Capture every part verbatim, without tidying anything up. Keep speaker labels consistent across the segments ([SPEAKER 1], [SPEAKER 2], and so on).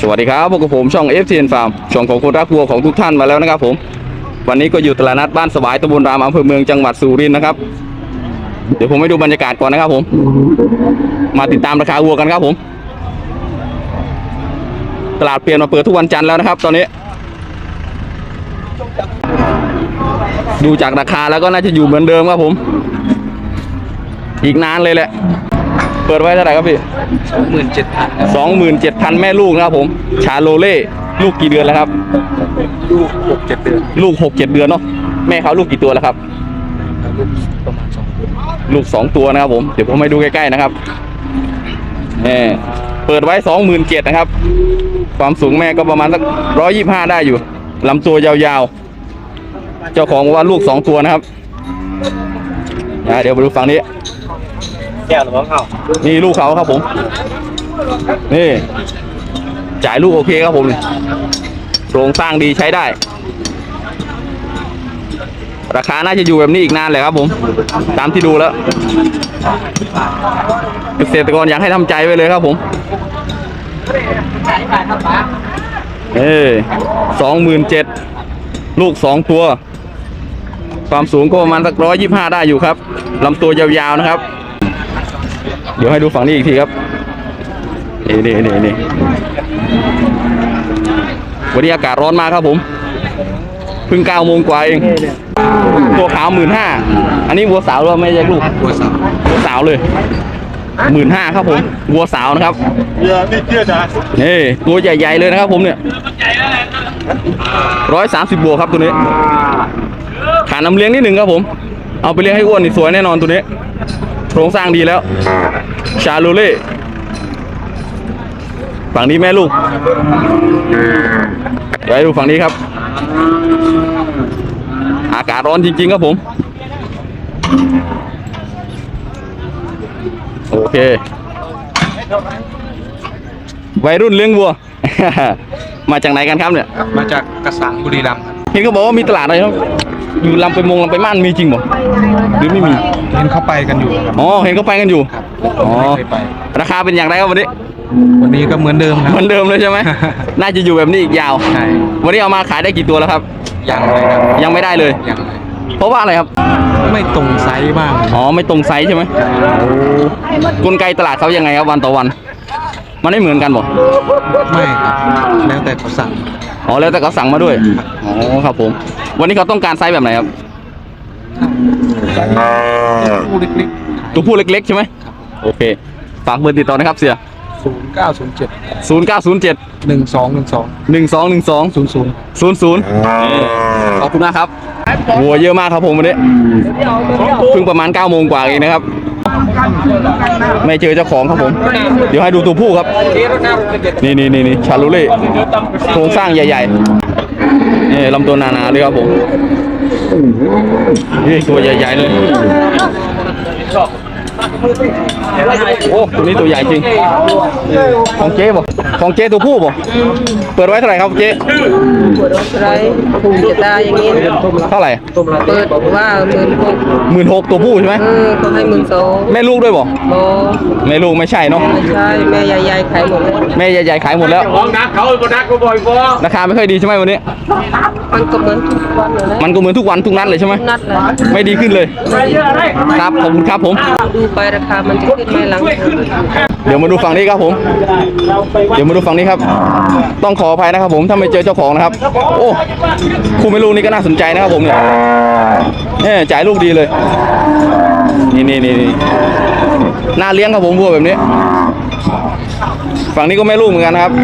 [SPEAKER 1] วัสดีครับพวกผมช่อง เอฟ ที เอ็น Farm ช่องของคนรักวัวของทุกท่านมาแล้วนะครับผมวันนี้ก็อยู่ตลาดนัดบ้านสวายตำบลรามอำเภอเมืองจังหวัดสุรินทร์นะครับเดี๋ยวผมให้ดูบรรยากาศก่อนนะครับผมมาติดตามราคาวัวกันครับผมตลาดเปลี่ยนมาเปิดทุกวันจันทร์แล้วนะครับตอนนี้ดูจากราคาแล้วก็น่าจะอยู่เหมือนเดิมครับผมอีกนานเลยแหละเปิดไว้เท่าไหร่ครับพี่
[SPEAKER 2] สองหมื่นเจ็ดพัน
[SPEAKER 1] สองหมื่นเจ็ดพันแม่ลูกนะครับผมชาโลเล่ลูกกี่เดือนแล้วครับ
[SPEAKER 2] ลูกหกเจ็ดเดือน
[SPEAKER 1] ลูกหกเจ็ดเดือนเนาะแม่เขาลูกกี่ตัวแล้วครับ
[SPEAKER 2] ลูกประมาณสองตัว
[SPEAKER 1] ลูกสองตัวนะครับผมเดี๋ยวผมให้ดูใกล้ๆนะครับนี่เปิดไว้สองหมื่นเจ็ดนะครับความสูงแม่ก็ประมาณสักร้อยยี่สิบห้าได้อยู่ลำตัวยาวๆเจ้าของบอกว่าลูกสองตัวนะครับเดี๋ยวมาดูฝั่งนี้
[SPEAKER 2] แก้วหรือว่าเขา
[SPEAKER 1] นี่ลูกเขาครับผมนี่จ่ายลูกโอเคครับผมโครงสร้างดีใช้ได้ราคาน่าจะอยู่แบบนี้อีกนานเลยครับผมตามที่ดูแล้วเกษตรกรอยากให้ทำใจไว้เลยครับผมเอ้สองหมื่นเจ็ดลูกสองตัวความสูงก็ประมาณสักร้อยยี่สิบห้าได้อยู่ครับลำตัวยาวๆนะครับเดี๋ยวให้ดูฝั่งนี้อีกทีครับนี่นี่นี่นี่วันนี้อากาศร้อนมากครับผมเพิ่งเก้าโมงกว่าเองตัวขาวหมื่นห้าอันนี้วัวสาวหรือไม่ใช่ลูก
[SPEAKER 2] วัวสาว
[SPEAKER 1] วัวสาวเลยหมื่นห้าครับผมวัวสาวนะครับนี่ตัวใหญ่ๆเลยนะครับผมเนี่ยร้อยสามสิบบวกครับตัวนี้ขาน้ำเลี้ยงนิดหนึ่งครับผมเอาไปเลี้ยงให้อ้วนนี่สวยแน่นอนตัวนี้โครงสร้างดีแล้วชาโลเล่ฝั่งนี้แม่ลูกเดี๋ยวให้ดูฝั่งนี้ครับอากาศร้อนจริงๆครับผมโอเควัยรุ่นเลี้ยงวัว มาจากไหนกันครับเนี่ย
[SPEAKER 2] มาจากกระสังบุรีรัมย์
[SPEAKER 1] เห็นเขาบอกว่ามีตลาดอะไรครับอยู่ลำไปมงลำไปม่านมีจริงบ่หรือไม่มี
[SPEAKER 2] เห็นเขาไปกันอยู่
[SPEAKER 1] อ๋อเห็นเขาไปกันอยู่อ๋อราคาเป็นอย่างไรครับวันนี้
[SPEAKER 2] วันนี้ก็เหมือนเดิมครับ
[SPEAKER 1] เหมือนเดิมเลยใช่ไหม น่าจะอยู่แบบนี้อีกยาว
[SPEAKER 2] ใช่
[SPEAKER 1] วันนี้เอามาขายได้กี่ตัวแล้วครับ
[SPEAKER 2] ยังเลยครับ
[SPEAKER 1] ยังไม่ได้เลย
[SPEAKER 2] ยังเลย
[SPEAKER 1] เพราะว่าอะไรครับ
[SPEAKER 2] ไม่ตรงไซส์บ้าง
[SPEAKER 1] อ๋อไม่ตรงไซส์ใช่ไหมกลไกตลาดเขายังไงครับวันต่อวันมันไม่เหมือนกันบ่
[SPEAKER 2] ไม่ครับแล้วแต่เขาสั่ง
[SPEAKER 1] อ๋อแล้วแต่เขาสั่งมาด้วยอ๋อครับผมวันนี้เขาต้องการไซส์แบบไหนครับตัวผู้เล็กๆใช่ไหมโอเคฝากเบอร์ติดต่อนะครับเสีย
[SPEAKER 2] ศูนย์เก้าศูนย์เจ็ด
[SPEAKER 1] ศูนย์เก้าศูนย์เจ็ด
[SPEAKER 2] หนึ่งสองหนึ่งสอง
[SPEAKER 1] หนึ่งสองหนึ่งสอง
[SPEAKER 2] ศูนย์ศูนย์
[SPEAKER 1] ศูนย์ศูนย์ขอบคุณมากครับวัวเยอะมากครับผมวันนี้เพิ่งประมาณเก้าโมงกว่าเองนะครับไม่เจอเจ้าของครับผมเดี๋ยวให้ดูตัวผู้ครับนี่นี่นี่นี่ชาลูเล่โครงสร้างใหญ่ๆนี่ลำตัวหนาๆเลยครับผมนี่ตัวใหญ่ๆเลยโอ้ตัวนี้ตัวใหญ่จริงของเจ๊บ่ของเจ๊ตัวผู้บ่เปิดไว้เท่าไหร่ครับเจ๊
[SPEAKER 3] เปิดไว้เท่าไหร่ถูกจะได้อย่างนี้
[SPEAKER 1] เท่าไหร่
[SPEAKER 3] เปิดว่าหมื่นหก
[SPEAKER 1] หมื่นหกตัวผู้ใช่ไหม
[SPEAKER 3] เออเขาให้หมื่นสอง
[SPEAKER 1] แม่ลูกด้วยบ่
[SPEAKER 3] โอ้
[SPEAKER 1] แม่ลูกไม่ใช่เนาะ
[SPEAKER 3] ไม่ใช่แม่ใหญ่ๆขายหมด
[SPEAKER 1] แม่ใหญ่ๆขายหมดแล้ว
[SPEAKER 2] ของนักเขาบนักก็บ่อยพอ
[SPEAKER 1] ราคาไม่ค่อยดีใช่ไหมวันนี้
[SPEAKER 3] มันก็เหมือนทุกวันเลย
[SPEAKER 1] มันก็เหมือนทุกวันทุกนัดเลยใช่ไหม
[SPEAKER 3] นัดเลย
[SPEAKER 1] ไม่ดีขึ้นเลยครับขอบคุณครับผม
[SPEAKER 3] ดูไปราคามันจะขึ้นไหมหลัง
[SPEAKER 1] เดี๋ยวมาดูฝั่งนี้ครับผมเดี๋ยวมาดูฝั่งนี้ครับต้องขออภัยนะครับผมถ้าไม่เจอเจ้าของนะครับโอ้คู่ไม่ลูกนี่ก็น่าสนใจนะครับผมเนี่ยเนี่ยจ่ายลูกดีเลยนี่นี่นี่น่าเลี้ยงครับผมวัวแบบนี้ฝั่งนี้ก็แม่ลูกเหมือนกันครับ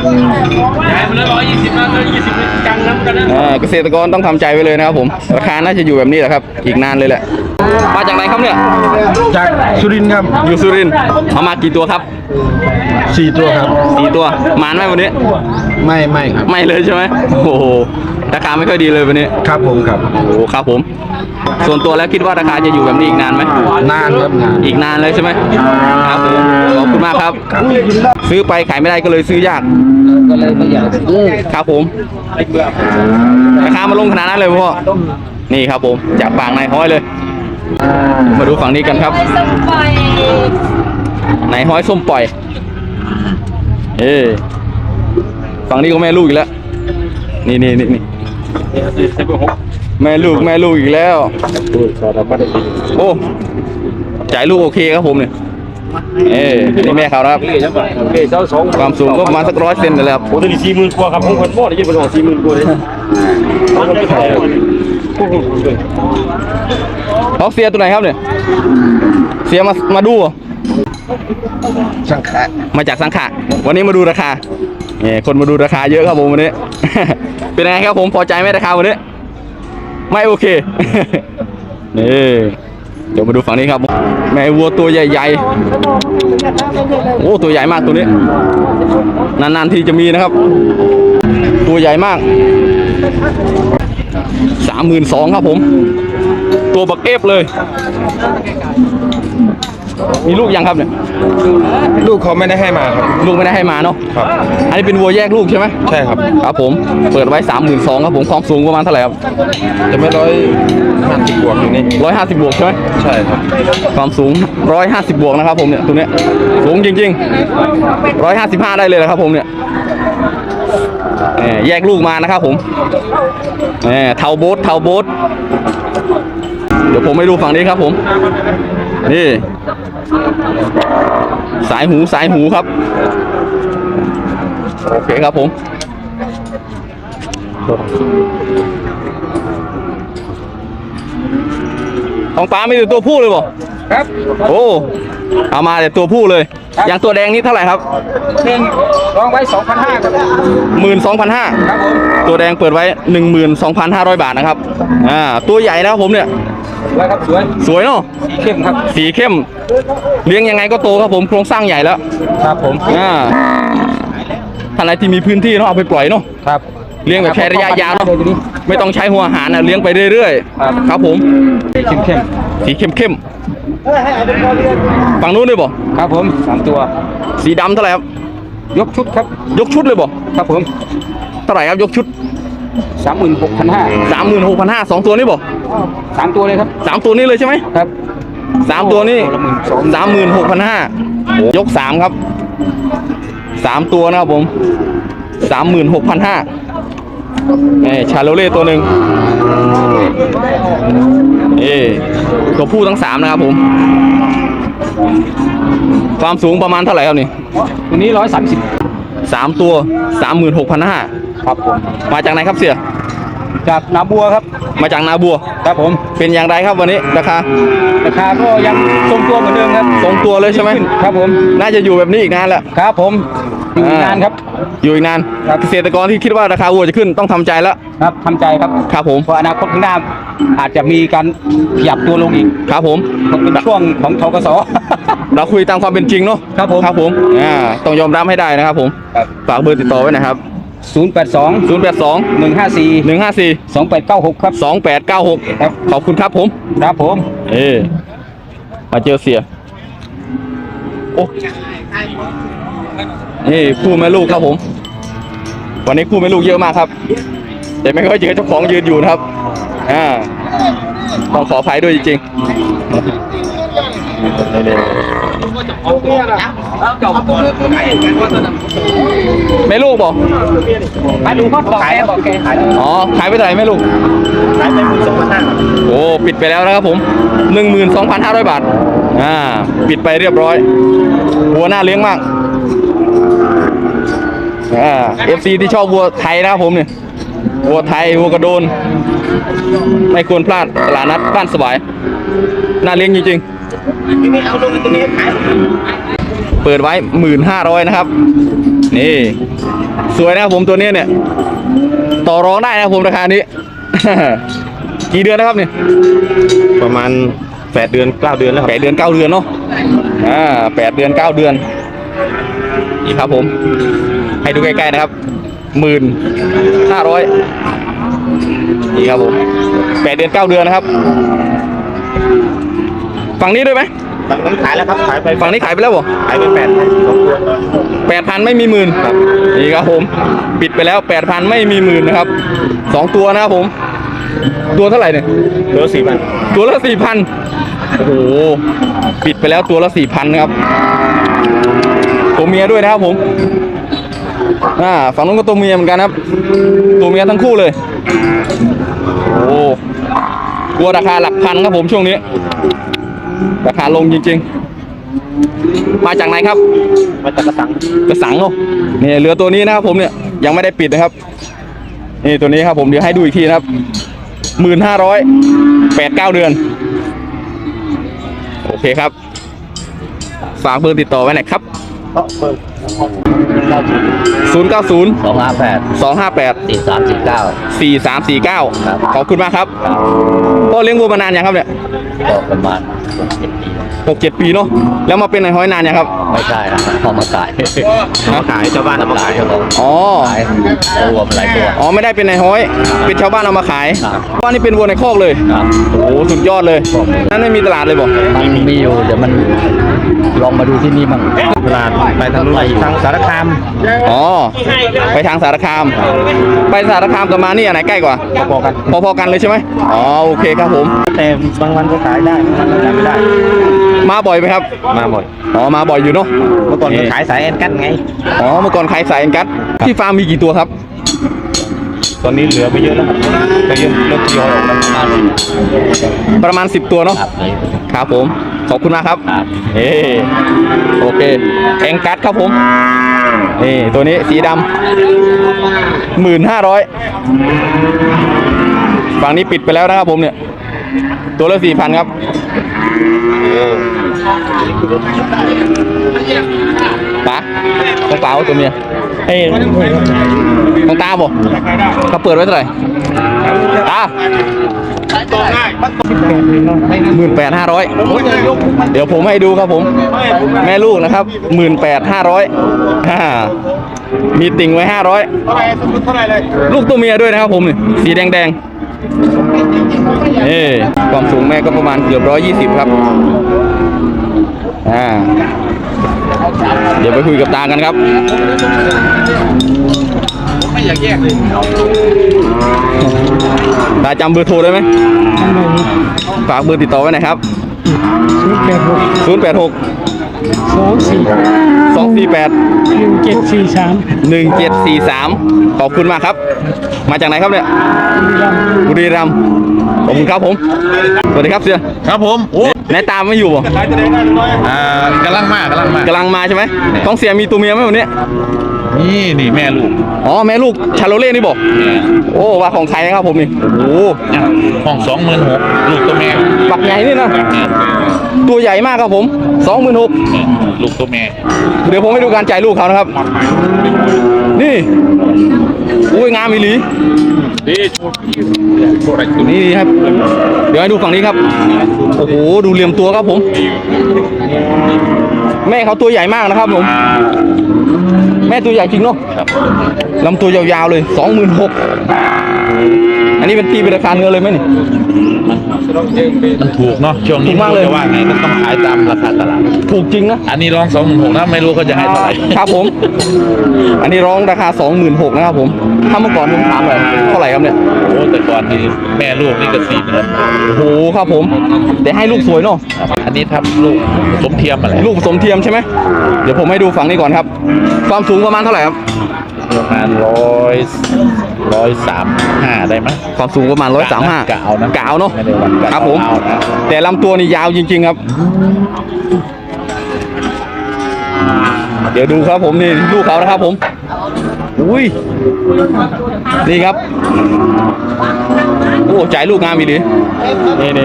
[SPEAKER 1] เกษตรกรต้องทำใจไว้เลยนะครับผมราคาน่าจะอยู่แบบนี้แหละครับอีกนานเลยแหละมาจากไหนครับเนี่ย
[SPEAKER 2] จากสุรินทร์ครับ
[SPEAKER 1] อยู่สุรินทร์เอามากี่ตัวครับ
[SPEAKER 2] สี่ตัวครับ
[SPEAKER 1] สี่ตัวมานไหมวันนี้
[SPEAKER 2] ไม่ไม่ครับ
[SPEAKER 1] ไม่เลยใช่ไหมโอ้โหราคาไม่ค่อยดีเลยวันนี้
[SPEAKER 2] ครับผมครับ
[SPEAKER 1] โอ้ครับผมส่วนตัวแล้วคิดว่าราคาจะอยู่แบบนี้อีกนานไหม
[SPEAKER 2] นานครับนาน
[SPEAKER 1] อีกนานเลยใช่ไหมครับผมขอบคุณมากครับซื้อไปขายไม่ได้ก็เลยซื้อยาก
[SPEAKER 3] ก็เลยไม่อยากซื้อ
[SPEAKER 1] ครับผมราคามาลงขนาดนั้นเลยพ่อนี่ครับผมจากปากนายห้อยเลยมาดูฝั่งนี้กันครับนายห้อยส้มปล่อยเอฝั่งนี้ก็แม่ลูกอีกแล้วนี่นี่นี่นี่แม่ลูกแม่ลูกอีกแล้วโอ้จ่ายลูกโอเคครับผมเนี่ยเอ้นี่แม่เขานะครับความสูงก็ประมาณสักร้อยเซนเลยครับ
[SPEAKER 4] โอ้ตัวนี้สี่หมื่นกว่าครับผมคนบ่ได้ยินเป็นของสี่หมื่นกว่าเลย
[SPEAKER 1] เขาเสียตัวไหนครับเนี่ยเสียมามาดูเหรอ
[SPEAKER 2] สังขะ
[SPEAKER 1] มาจากสังขะวันนี้มาดูราคาเนี่ยคนมาดูราคาเยอะครับผมวันนี้ เป็นไงครับผมพอใจไหมราคาวันนี้ไม่โอเค นี่เดี๋ยวมาดูฝั่งนี้ครับแม่วัวตัวใหญ่ๆโอ้ตัวใหญ่มากตัวนี้นานๆทีจะมีนะครับ ตัวใหญ่มากสามหมื่นสองครับผมตัวบักเอฟเลยมีลูกยังครับเนี่ย
[SPEAKER 2] ลูกเขาไม่ได้ให้มาครับ
[SPEAKER 1] ลูกไม่ได้ให้มาเนาะ
[SPEAKER 2] ครับ
[SPEAKER 1] อันนี้เป็นวัวแยกลูกใช่ไหม
[SPEAKER 2] ใช่ครับ
[SPEAKER 1] ครับผมเปิดไว้สามหมื่นสองครับผมความสูงประมาณเท่าไหร่ครับ
[SPEAKER 2] จะไม่ร้อยห้าสิบบวกอยู่นี่
[SPEAKER 1] ร้อยห้าสิบบวกใช่ไหม
[SPEAKER 2] ใช่ครับ
[SPEAKER 1] ความสูงร้อยห้าสิบบวกนะครับผมเนี่ยตัวเนี้ยสูงจริงๆร้อยห้าสิบห้าได้เลยนะครับผมเนี่ยแยกลูกมานะครับผมเทาโบ๊ทเทาโบ๊ทเดี๋ยวผมไปดูฝั่งนี้ครับผมนี่สายหูสายหูครับโอเคครับผมของป้าไม่ได้ตัวผู้เลยบ่
[SPEAKER 3] ครับ
[SPEAKER 1] โอ้เอามาแต่ตัวผู้เลยอย่างตัวแดงนี่เท่าไหร่ครับ
[SPEAKER 3] หนึ่งลองไว้สองพันห้าครับ
[SPEAKER 1] หมื่นสองพันห้า
[SPEAKER 3] ครับผม
[SPEAKER 1] ตัวแดงเปิดไว้หนึ่งหมื่นสองพันห้าร้อยบาทนะครับอ่าตัวใหญ่นะครับผมเนี่ย
[SPEAKER 3] ไว้ครับสวย
[SPEAKER 1] สวยเนาะ
[SPEAKER 3] สีเข้มครับ
[SPEAKER 1] สีเข้มเลี้ยงยังไงก็โตครับผมโครงสร้างใหญ่แล้ว
[SPEAKER 3] ครับผม
[SPEAKER 1] อ่าท่านไหนที่มีพื้นที่เนาะเอาไปปล่อยเนาะ
[SPEAKER 3] ครับ
[SPEAKER 1] เลี้ยงแบบใช้ระยะยาวเนาะ
[SPEAKER 3] เลยทีนี้
[SPEAKER 1] ไม่ต้องใช้หัวอาหารนะเลี้ยงไปเรื่อย
[SPEAKER 3] ครับ
[SPEAKER 1] ๆครับผม
[SPEAKER 3] เข้มเข้ม
[SPEAKER 1] สีเข้มเข้มๆฝั่งนู้นด้วยบ่
[SPEAKER 3] ครับผมสามตัว
[SPEAKER 1] สีดำเท่าไหร่ครับ
[SPEAKER 3] ยกชุดครับ
[SPEAKER 1] ยกชุดเลยบ่
[SPEAKER 3] ครับผม
[SPEAKER 1] เท่าไหร่ครับยกชุด
[SPEAKER 3] สามหมื่นหกพันห้า
[SPEAKER 1] สามหมื่นหกพันห้าสองตัวนี้บ่
[SPEAKER 3] สามตัวเลยครับ
[SPEAKER 1] สามตัวนี้เลยใช่ไหม
[SPEAKER 3] ครับ
[SPEAKER 1] สามตัวนี้
[SPEAKER 3] ตัวละหมื่นสอง
[SPEAKER 1] สามหมื่นหกพันห้ายกสามครับสามตัวนะครับผมสามหมื่นหกพันห้านี่ชาโลเล่ตัวหนึ่งเอตัวผู้ทั้งสามนะครับผมความสูงประมาณเท่าไหร่ครับนี่
[SPEAKER 3] ตัวนี้ร้อยสามสิบ
[SPEAKER 1] สามตัวสามหมื่นหกพันห้า
[SPEAKER 3] ครับผม
[SPEAKER 1] มาจากไหนครับเสี่ย
[SPEAKER 3] จากนาบัวครับ
[SPEAKER 1] มาจากนาบัว
[SPEAKER 3] ครับผม
[SPEAKER 1] เป็นอย่างไรครับวันนี้ราคา
[SPEAKER 3] ราคาก็ยังทรงตัวเหมือนเดิมครับ
[SPEAKER 1] ทรงตัวเลยใช่ไหม
[SPEAKER 3] ครับผม
[SPEAKER 1] น่าจะอยู่แบบนี้อีกนานแหละ
[SPEAKER 3] ครับผมอยู่อีกนานครับ
[SPEAKER 1] อยู่อีกนาน
[SPEAKER 3] ครับ
[SPEAKER 1] เกษตรกรที่คิดว่าราคาวัวจะขึ้นต้องทำใจแล้ว
[SPEAKER 3] ครับทำใจครับ
[SPEAKER 1] ครับผม
[SPEAKER 3] เพราะอนาคตข้างหน้าอาจจะมีการขยับตัวลงอีก
[SPEAKER 1] ครับผม
[SPEAKER 3] มันเป็นช่วงของทกส
[SPEAKER 1] เราคุยตามความเป็นจริงเนาะ
[SPEAKER 3] ครับผม
[SPEAKER 1] ครับผมอ่าต้องยอมรับให้ได้นะครับผม
[SPEAKER 3] ครับ
[SPEAKER 1] ฝากเบอร์ติดต่อไว้นะครับ
[SPEAKER 3] ศูนย์แปดสอง
[SPEAKER 1] ศูนย์แปดสอง
[SPEAKER 3] หนึ่งห้าสี่
[SPEAKER 1] หนึ่งห้าสี่
[SPEAKER 3] สองแปดเก้าหกครับ
[SPEAKER 1] สองแปดเก้าหก
[SPEAKER 3] ครับ
[SPEAKER 1] ขอบคุณครับผม
[SPEAKER 3] ครับผม
[SPEAKER 1] เออมาเจอเสียโอ้นี่คู่แม่ลูกครับผม วันนี้คู่แม่ลูกเยอะมากครับ แต่ไม่ค่อยเจอเจ้าของยืนอยู่นะครับอ่าต้องขออภัยด้วยจริงๆแม่ลูกบอก
[SPEAKER 3] มาดูเขาขายบอกแกขาย
[SPEAKER 1] อ๋อขายไปเท่าไหร่แม่ลูก
[SPEAKER 4] ขายไปหมื่นสองพันห้า
[SPEAKER 1] โอ้ปิดไปแล้วนะครับผมหนึ่งหมื่นสองพันห้าร้อยบาทอ่าปิดไปเรียบร้อยวัวน่าเลี้ยงมากอ่าเอฟซีที่ชอบวัวไทยนะครับผมเนี่ยวัวไทยวัวกระโดน ไม่ควรพลาดตลาดนัดบ้านสบายน่าเลี้ยงจริงๆเปิดไว้หมื่นห้าร้อยนะครับนี่สวยนะครับผมตัวนี้เนี่ยต่อรองได้นะครับผมราคานี้ กี่เดือนนะครับเนี่ย
[SPEAKER 4] ประมาณแปดเดือนเก้าเดือนแล้วค
[SPEAKER 1] แป
[SPEAKER 4] รับ
[SPEAKER 1] ดเดือนเก้าเดือนเนาะอ่าแปดเดือนเก้าเดือนนี่ครับผม ให้ดูใกล้ๆนะครับหมื่นห้าร้อยนี่ครับผมแปดเดือนเก้าเดือนนะครับฝั่งนี้ด้วยไหม
[SPEAKER 4] ฝั่งนั้นขายแล้วครับขายไป
[SPEAKER 1] ฝั่งนี้ขายไปแล้วบ่
[SPEAKER 4] ขายไปแปดพันสองตัว
[SPEAKER 1] แปดพันไม่มีหมื่นครับนี่ครับผม ปิดไปแล้วแปดพันไม่มีหมื่นนะครับสองตัวนะครับผม ตัวเท่าไหร่เนี่ย
[SPEAKER 4] เหลือสี่พัน
[SPEAKER 1] ตัวละสี่พันโอ้โห ปิดไปแล้วตัวละสี่พันครับตัวเมียด้วยนะครับผมอ่าฝั่งนู้นก็ตัวเมียเหมือนกันครับ ตัวเมียทั้งคู่เลย โอ้กลัวราคาหลักพันครับผมช่วงนี้ ราคาลงจริงๆ มาจากไหนครับ
[SPEAKER 4] มาจากกระสัง
[SPEAKER 1] กระสังเนาะนี่เรือตัวนี้นะครับผมเนี่ยยังไม่ได้ปิดนะครับ นี่ตัวนี้ครับผมเดี๋ยวให้ดูอีกทีนะครับหมื่นห้าร้อยแปดเก้าเดือน โอเคครับ ฝากเบอร์ติดต่อไว้หน่อยครับ ศูนย์ เก้า ศูนย์
[SPEAKER 3] สองห้าแปด
[SPEAKER 1] สอง ห้า แปด
[SPEAKER 3] สี่สามสี่เก้า
[SPEAKER 1] สี่ สาม สี่ เก้า
[SPEAKER 3] ครับ
[SPEAKER 1] ขอบคุณมากครับพ่อเลี้ยงวัวมานานยังครับเนี่ย
[SPEAKER 3] ก็ประมาณเจ็ดปี
[SPEAKER 1] หกเจ็ดปีเนาะแล้วมาเป็นนายห้อยนานยังครับ
[SPEAKER 3] ไม่ใช่นะพอมาขาย
[SPEAKER 4] มาขายชาวบ้านเอามาขาย
[SPEAKER 3] ครับผม
[SPEAKER 1] อ๋อ
[SPEAKER 3] ขายรวมหลายตัว
[SPEAKER 1] อ๋อไม่ได้เป็นนายห้อย เป็นชาวบ้านเอามาขาย
[SPEAKER 3] ครับ
[SPEAKER 1] ว่านี่เป็นวัวในคอกเลย
[SPEAKER 3] ครับ
[SPEAKER 1] โอ้โหสุดยอดเลยนั่นไม่มีตลาดเลยบอก
[SPEAKER 3] มันมีอยู่เดี๋ยวมันลองมาดูที่นี่มั่ง
[SPEAKER 4] ตลาดไปทางนู้นทางสารคาม
[SPEAKER 1] อ๋อไปทางสารคาม ไปสารคามกับมานี่อันไหนใกล้กว่า
[SPEAKER 4] พอๆกัน
[SPEAKER 1] พอๆกันเลยใช่ไหมอ๋อโอเคครับผม
[SPEAKER 4] แต่บางวันก็ขายได้บางวันก็ขายไม่ได้
[SPEAKER 1] มาบ่อยไหมครับ
[SPEAKER 4] มาหมด
[SPEAKER 1] อ๋อมาบ่อยอยู่เนาะ
[SPEAKER 4] เมื่อก่อนก็ขายสายแอนกันไง
[SPEAKER 1] อ๋อเมื่อก่อนขายสายเอ็นกัสที่ฟาร์มมีกี่ตัวครับ
[SPEAKER 4] ตอนนี้เหลือไม่เยอะแล้วครับก็เยอะเริ่มทยอยออกแล้ว
[SPEAKER 1] ประมาณสิบตัวเนาะ
[SPEAKER 3] ครับเลย
[SPEAKER 1] ครับผมขอบคุณมากครับ
[SPEAKER 3] ครับ
[SPEAKER 1] เอโอเคเอ็นกัสครับผมนี่ตัวนี้สีดำหมื่นห้าร้อยฝั่งนี้ปิดไปแล้วนะครับผมเนี่ยตัวละสี่พันครับป๋าต้องเปล่าตัวเมียเอ้ยต้องตาบ่เขาเปิดไว้เท่าไหร่ตาหมื่นแปดห้าร้อยเดี๋ยวผมให้ดูครับผม แม่ลูกนะครับหมื่นแปดห้าร้อยมีติ่งไว้ห้าร้อยลูกตัวเมียด้วยนะครับผมนี่สีแดงแดงนี่ความสูงแม่ก็ประมาณเกือบร้อยยี่สิบครับอ่าเดี๋ยวไปคุยกับตากันครับไม่อยากแยกเลยตาจำเบอร์โทรได้ไหมฝากเบอร์ติดต่อไว้หน่อยครับศูนย์แปดหก
[SPEAKER 5] สองสี่
[SPEAKER 1] สองสี่แปด
[SPEAKER 5] หนึ่งเจ็ดสี่สาม
[SPEAKER 1] หนึ่งเจ็ดสี่สามขอบคุณมากครับ มาจากไหนครับเนี่ยบุรีรัมย์ขอบคุณครับผมสวัสดีครับเสีย
[SPEAKER 2] ครับผมโอ้
[SPEAKER 1] นายตามไม่อยู่บ่
[SPEAKER 2] อ่ากำลังมากกำลังมาก
[SPEAKER 1] กำลังมาใช่ไหมต้องเสียมีตัวเมียไหมวันนี้
[SPEAKER 2] นี่นี่แม่ลูก
[SPEAKER 1] อ๋อแม่ลูกชาโลเล่นี่บอกโอ้ว่าของไทยนะครับผมนี่โอ้
[SPEAKER 2] ห้องสองหมื่นหกลูกตัวแม่
[SPEAKER 1] ปักใหญ่นี่นะตัวใหญ่มากครับผมสองหมื่นหก
[SPEAKER 2] ลูกตัวแม่
[SPEAKER 1] เดี๋ยวผมให้ดูการจ่ายลูกเขานะครับ นี่อุ้ยงามอีหลี
[SPEAKER 2] นี่
[SPEAKER 1] นี่ครับ เดี๋ยวให้ดูฝั่งนี้ครับ โอ้โห ดูเหลี่ยมตัวครับผม แม่เขาตัวใหญ่มากนะครับผม แม่ตัวใหญ่จริงเนาะลำตัวยาวๆเลยสองหมื่นหกอันนี้เป็นตีเป็นราคาเนื้อเลยไหมนี่
[SPEAKER 2] มันถูกเนาะช่วง
[SPEAKER 1] ถู
[SPEAKER 2] นี้
[SPEAKER 1] กมากเลย
[SPEAKER 2] จะว่าไงก็ต้องขายตามราคาตลาด
[SPEAKER 1] ถูกจริงนะ
[SPEAKER 2] อันนี้ร้องสองหมื่นหกนะไม่รู้เขาจะให้เท่าไหร่
[SPEAKER 1] ครับผม อันนี้ร้องราคาสองหมื่นหกนะครับผม ถ้าเมื่อก่อนผมถามเลยเท่าไหร่ครับเนี่ย
[SPEAKER 2] โอ้แต่ก่อนนี่แม่ลูกนี่ก็สี่หมื่น
[SPEAKER 1] โอ้โหครับผม แต่ให้ลูกสวยเนาะ
[SPEAKER 2] อันนี้ทับลูกสมเทียมอะไร
[SPEAKER 1] ลูกผสมเทียมใช่ไหม เดี๋ยวผมให้ดูฝั่งนี้ก่อนครับ ความสูงประมาณเท่าไหร่ครับ
[SPEAKER 2] ประมาณร้อยร้อยสามห้าได้ไหม
[SPEAKER 1] ความสูงประมาณร้อยสามห้าก
[SPEAKER 2] ะเอานะ
[SPEAKER 1] กะเอาเนาะ
[SPEAKER 2] ไม่ได้วัดกะ
[SPEAKER 1] ครับผม
[SPEAKER 2] เอานะ
[SPEAKER 1] แต่ลำตัวนี่ยาวจริงๆครับ เดี๋ยวดูครับผมนี่ลูกเขานะครับผม อุ้ย นี่ครับ โอ้จ่ายลูกงามอีหลีนี่นี่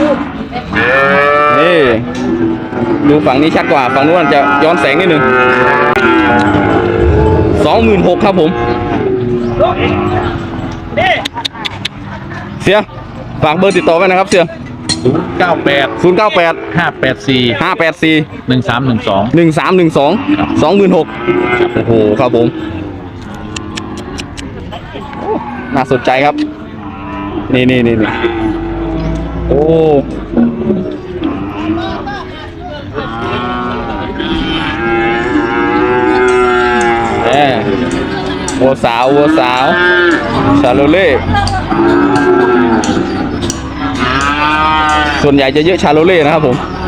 [SPEAKER 1] นี่ ดูฝั่งนี้ชัดกว่า ฝั่งนู้นจะย้อนแสงนิดนึงสองหมื่นหกครับผม เสีย ฝากเบอร์ติดต่อไว้นะครับเสีย
[SPEAKER 2] ศูนย์เก้าแปด
[SPEAKER 1] ศูนย์เก้าแปด
[SPEAKER 2] ห้าแปดสี่
[SPEAKER 1] ห้าแปดสี่
[SPEAKER 2] หนึ่งสามหนึ่งสอง
[SPEAKER 1] หนึ่งสามหนึ่งสองสองหมื่นหกโอ้โหครับผมโอ้น่าสนใจครับ นี่นี่นี่นี่โอ้แหมวัวสาววัวสาวชาโลเล่ส่วนใหญ่จะเยอะชาโลเล่นะครับผม